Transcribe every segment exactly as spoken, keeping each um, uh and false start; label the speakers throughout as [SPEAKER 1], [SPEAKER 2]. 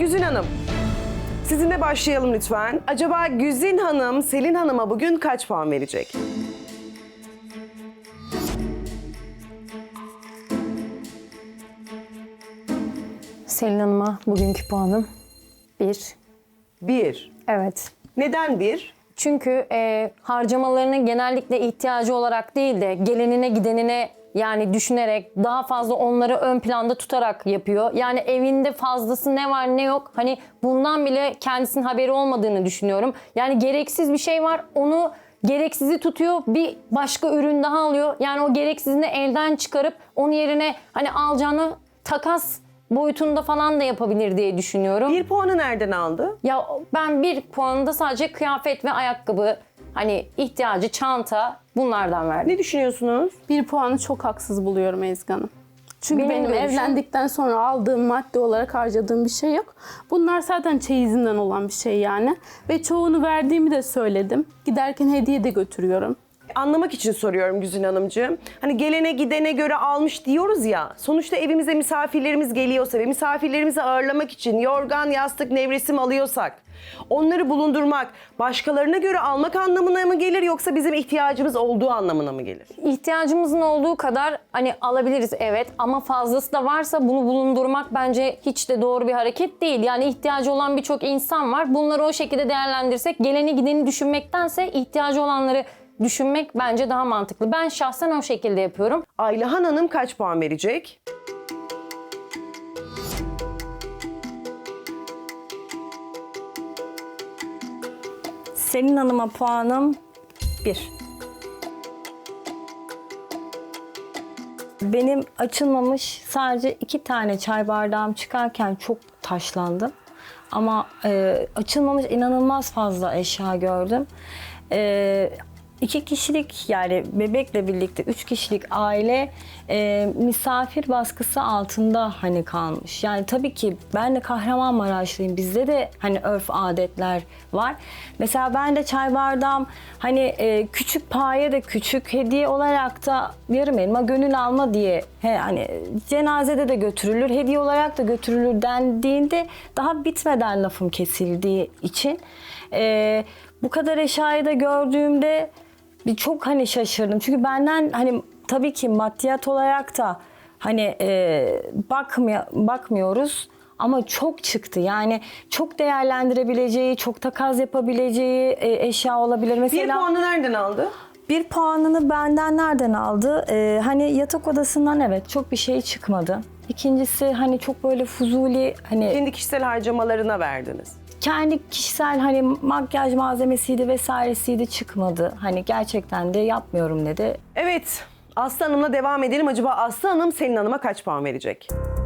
[SPEAKER 1] Güzin Hanım, sizinle başlayalım lütfen. Acaba Güzin Hanım, Selin Hanım'a bugün kaç puan verecek?
[SPEAKER 2] Selin Hanım'a bugünkü puanım bir.
[SPEAKER 1] Bir.
[SPEAKER 2] Evet.
[SPEAKER 1] Neden bir?
[SPEAKER 2] Çünkü e, harcamalarını genellikle ihtiyacı olarak değil de gelenine gidenine yani düşünerek daha fazla onları ön planda tutarak yapıyor. Yani evinde fazlası ne var ne yok hani bundan bile kendisinin haberi olmadığını düşünüyorum. Yani gereksiz bir şey var, onu gereksizi tutuyor, bir başka ürün daha alıyor. Yani o gereksizini elden çıkarıp onun yerine hani alacağını takas boyutunda falan da yapabilir diye düşünüyorum.
[SPEAKER 1] Bir puanı nereden aldı?
[SPEAKER 2] Ya ben bir puanında sadece kıyafet ve ayakkabı, hani ihtiyacı, çanta bunlardan verdim.
[SPEAKER 1] Ne düşünüyorsunuz?
[SPEAKER 3] Bir puanı çok haksız buluyorum Ezgi Hanım. Çünkü
[SPEAKER 2] Benim
[SPEAKER 3] benim,
[SPEAKER 2] görüşüm-
[SPEAKER 3] evlendikten sonra aldığım madde olarak harcadığım bir şey yok. Bunlar zaten çeyizinden olan bir şey yani. Ve çoğunu verdiğimi de söyledim. Giderken hediye de götürüyorum.
[SPEAKER 1] Anlamak için soruyorum Güzin Hanımcığım. Hani gelene gidene göre almış diyoruz ya. Sonuçta evimize misafirlerimiz geliyorsa ve misafirlerimizi ağırlamak için yorgan, yastık, nevresim alıyorsak onları bulundurmak başkalarına göre almak anlamına mı gelir yoksa bizim ihtiyacımız olduğu anlamına mı gelir?
[SPEAKER 2] İhtiyacımızın olduğu kadar hani alabiliriz evet ama fazlası da varsa bunu bulundurmak bence hiç de doğru bir hareket değil. Yani ihtiyacı olan birçok insan var. Bunları o şekilde değerlendirsek geleni gideni düşünmektense ihtiyacı olanları düşünmek bence daha mantıklı. Ben şahsen o şekilde yapıyorum.
[SPEAKER 1] Aylahan Hanım kaç puan verecek?
[SPEAKER 4] Selin Hanım'a puanım bir. Benim açılmamış sadece iki tane çay bardağım çıkarken çok taşlandım. Ama e, açılmamış inanılmaz fazla eşya gördüm. E, iki kişilik yani bebekle birlikte üç kişilik aile e, misafir baskısı altında hani kalmış. Yani tabii ki ben de Kahramanmaraşlıyım. Bizde de hani örf adetler var. Mesela ben de çay bardağım hani e, küçük paye de küçük hediye olarak da yarım elma gönül alma diye he, hani cenazede de götürülür hediye olarak da götürülür dendiğinde daha bitmeden lafım kesildiği için e, bu kadar eşyayı da gördüğümde bir çok hani şaşırdım. Çünkü benden hani tabii ki maddiyat olarak da hani e, bakmıyor, bakmıyoruz ama çok çıktı. Yani çok değerlendirebileceği, çok takas yapabileceği e, eşya olabilir. Mesela
[SPEAKER 1] Bir puanı nereden aldı?
[SPEAKER 4] bir puanını benden nereden aldı? Ee, hani yatak odasından evet çok bir şey çıkmadı. İkincisi hani çok böyle fuzuli hani
[SPEAKER 1] Kendi kişisel harcamalarına verdiniz.
[SPEAKER 4] kendi kişisel hani makyaj malzemesiydi vesairesiydi çıkmadı. Hani gerçekten de yapmıyorum dedi.
[SPEAKER 1] Evet, Aslı Hanım'la devam edelim. Acaba Aslı Hanım Selin Hanım'a kaç puan verecek?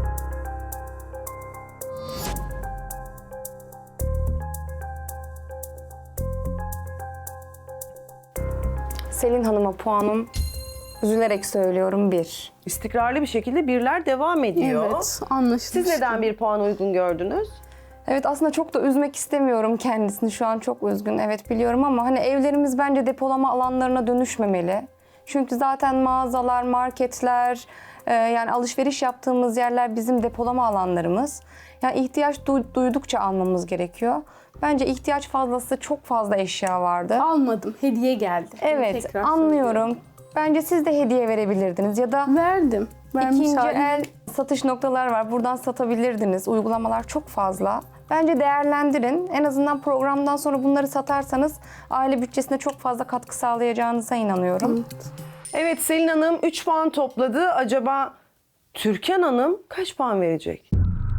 [SPEAKER 2] Selin Hanım'a puanım üzülerek söylüyorum bir.
[SPEAKER 1] İstikrarlı bir şekilde birler devam ediyor.
[SPEAKER 3] Evet, anlaşıldı.
[SPEAKER 1] Siz neden bir puan uygun gördünüz?
[SPEAKER 5] Evet aslında çok da üzmek istemiyorum kendisini. Şu an çok üzgün evet biliyorum ama hani evlerimiz bence depolama alanlarına dönüşmemeli. Çünkü zaten mağazalar, marketler, e, yani alışveriş yaptığımız yerler bizim depolama alanlarımız. Yani ihtiyaç du- duydukça almamız gerekiyor. Bence ihtiyaç fazlası çok fazla eşya vardı.
[SPEAKER 3] Almadım, hediye geldi.
[SPEAKER 5] Evet
[SPEAKER 3] Tekrar
[SPEAKER 5] anlıyorum.
[SPEAKER 3] söylüyorum.
[SPEAKER 5] Bence siz de hediye verebilirdiniz ya da
[SPEAKER 3] Verdim. Vermiş
[SPEAKER 5] İkinci
[SPEAKER 3] halim.
[SPEAKER 5] el satış noktalar var. Buradan satabilirdiniz. Uygulamalar çok fazla. Bence değerlendirin. En azından programdan sonra bunları satarsanız aile bütçesine çok fazla katkı sağlayacağınıza inanıyorum.
[SPEAKER 1] Evet, Selin Hanım üç puan topladı. Acaba Türkan Hanım kaç puan verecek?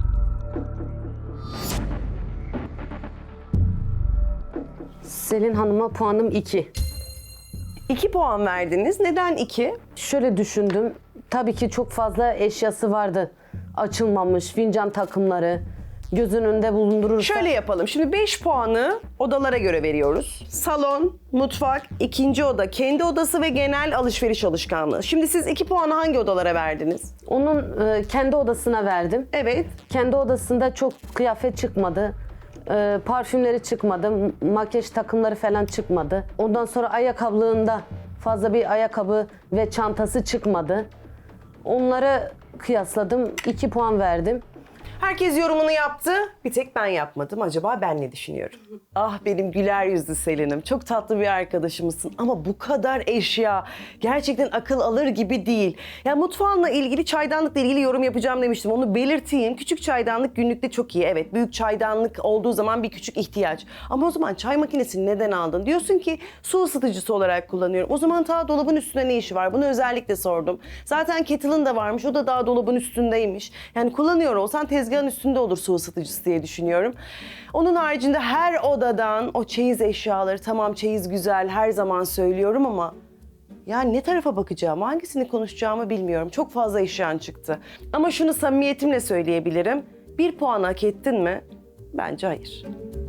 [SPEAKER 6] Selin Hanım'a puanım iki.
[SPEAKER 1] iki puan verdiniz. Neden iki?
[SPEAKER 6] Şöyle düşündüm. Tabii ki çok fazla eşyası vardı. Açılmamış fincan takımları. Göz önünde bulundurursa.
[SPEAKER 1] Şöyle yapalım. Şimdi beş puanı odalara göre veriyoruz. Salon, mutfak, ikinci oda, kendi odası ve genel alışveriş alışkanlığı. Şimdi siz iki puanı hangi odalara verdiniz?
[SPEAKER 6] Onun e, kendi odasına verdim.
[SPEAKER 1] Evet.
[SPEAKER 6] Kendi odasında çok kıyafet çıkmadı. E, parfümleri çıkmadı. m- Makyaj takımları falan çıkmadı. Ondan sonra ayakkabılığında fazla bir ayakkabı ve çantası çıkmadı. Onları kıyasladım. iki puan verdim.
[SPEAKER 1] Herkes yorumunu yaptı. Bir tek ben yapmadım. Acaba ben ne düşünüyorum? Ah benim güler yüzlü Selin'im. Çok tatlı bir arkadaşımızsın. Ama bu kadar eşya gerçekten akıl alır gibi değil. Ya mutfağınla ilgili, çaydanlıkla ilgili yorum yapacağım demiştim. Onu belirteyim. Küçük çaydanlık günlükte çok iyi. Evet, büyük çaydanlık olduğu zaman bir küçük ihtiyaç. Ama o zaman çay makinesini neden aldın? Diyorsun ki su ısıtıcısı olarak kullanıyorum. O zaman ta dolabın üstünde ne işi var? Bunu özellikle sordum. Zaten kettle'ın da varmış. O da daha dolabın üstündeymiş. Yani kullanıyor olsan tezgahın üstünde olur su ısıtıcısı diye düşünüyorum. Onun haricinde her odadan o çeyiz eşyaları, tamam çeyiz güzel her zaman söylüyorum ama yani ne tarafa bakacağım, hangisini konuşacağımı bilmiyorum. Çok fazla eşyan çıktı. Ama şunu samimiyetimle söyleyebilirim. Bir puan hak ettin mi? Bence hayır.